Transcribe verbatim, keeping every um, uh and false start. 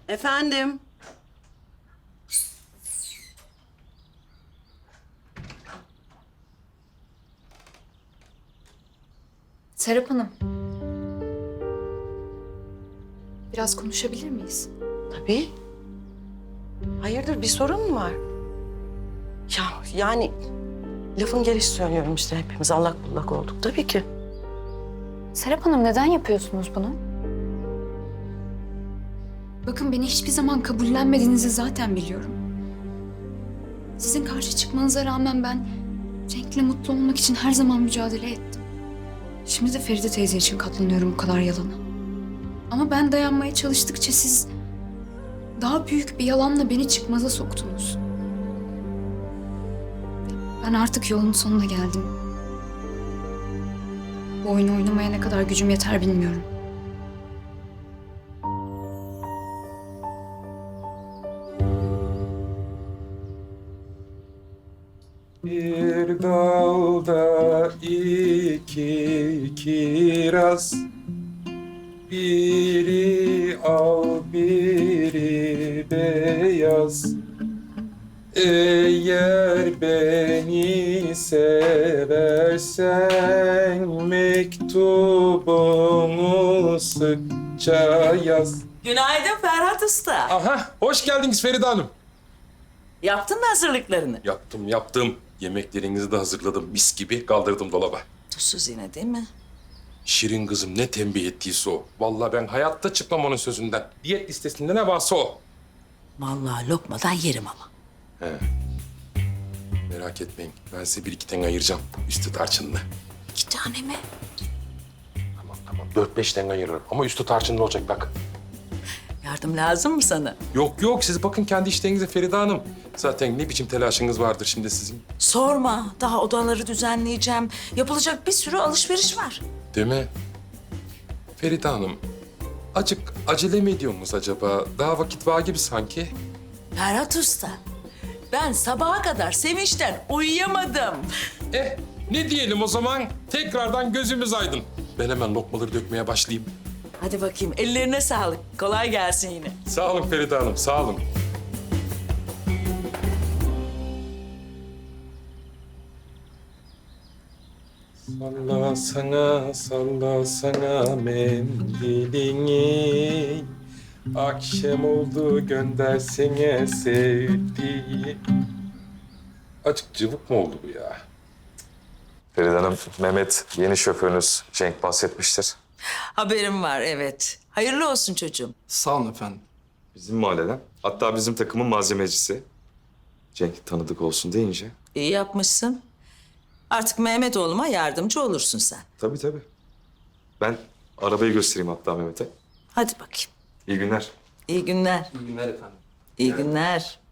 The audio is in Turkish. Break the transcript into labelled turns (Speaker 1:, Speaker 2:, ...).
Speaker 1: Efendim?
Speaker 2: Serap Hanım. Biraz konuşabilir miyiz?
Speaker 1: Tabii. Hayırdır, bir sorun mu var? Ya yani lafın gelişi söylüyorum işte, hepimiz allak bullak olduk tabii ki.
Speaker 2: Serap Hanım neden yapıyorsunuz bunu? Bakın beni hiçbir zaman kabullenmediğinizi zaten biliyorum. Sizin karşı çıkmanıza rağmen ben Cenk'le mutlu olmak için her zaman mücadele ettim. Şimdi de Feride teyze için katlanıyorum bu kadar yalana. Ama ben dayanmaya çalıştıkça siz daha büyük bir yalanla beni çıkmaza soktunuz. Ben artık yolun sonuna geldim. Bu oyunu oynamaya ne kadar gücüm yeter bilmiyorum.
Speaker 3: Bir dalda iki kiraz, biri al biri beyaz. Eğer beni seversen mektubumu sıkça yaz.
Speaker 4: Günaydın Ferhat Usta.
Speaker 3: Aha, hoş geldiniz Feride Hanım.
Speaker 4: Yaptın mı hazırlıklarını?
Speaker 3: Yaptım, yaptım. Yemeklerinizi de hazırladım. Mis gibi kaldırdım dolaba.
Speaker 4: Tuzsuz yine değil mi?
Speaker 3: Şirin kızım ne tembih ettiyse o. Vallahi ben hayatta çıkmam onun sözünden. Diyet listesinde ne varsa o.
Speaker 4: Vallahi lokmadan yerim ama.
Speaker 3: He. Merak etmeyin. Ben size bir iki tane ayıracağım. Üstü tarçınlı.
Speaker 4: İki tane mi?
Speaker 3: Tamam tamam. Dört beş tane ayırırım. Ama üstü tarçınlı olacak bak.
Speaker 4: Yardım lazım mı sana?
Speaker 3: Yok yok. Siz bakın kendi işlerinize Feride Hanım. Zaten ne biçim telaşınız vardır şimdi sizin.
Speaker 4: Sorma. Daha odaları düzenleyeceğim. Yapılacak bir sürü alışveriş var.
Speaker 3: Değil mi? Feride Hanım. Acık acele mi ediyorsunuz acaba? Daha vakit var gibi sanki.
Speaker 4: Ferhat Usta, ben sabaha kadar sevinçten uyuyamadım.
Speaker 3: Eh, ne diyelim o zaman? Tekrardan gözümüz aydın. Ben hemen lokmaları dökmeye başlayayım.
Speaker 4: Hadi bakayım, ellerine sağlık. Kolay gelsin yine.
Speaker 3: Sağ olun Feride Hanım, sağ olun. Salla sana, salla sana mendilini. Akşam oldu göndersene sevdiği. Açık cıvık mı oldu bu ya?
Speaker 5: Feride Hanım, Mehmet yeni şoförünüz Cenk bahsetmiştir.
Speaker 4: Haberim var, evet. Hayırlı olsun çocuğum.
Speaker 6: Sağ olun efendim.
Speaker 5: Bizim mahalleden. Hatta bizim takımın malzemecisi. Cenk tanıdık olsun deyince.
Speaker 4: İyi yapmışsın. Artık Mehmet oğluma yardımcı olursun sen.
Speaker 5: Tabii tabii. Ben arabayı göstereyim hatta Mehmet'e.
Speaker 4: Hadi bakayım.
Speaker 5: İyi günler.
Speaker 4: İyi günler.
Speaker 6: İyi günler efendim.
Speaker 4: İyi günler.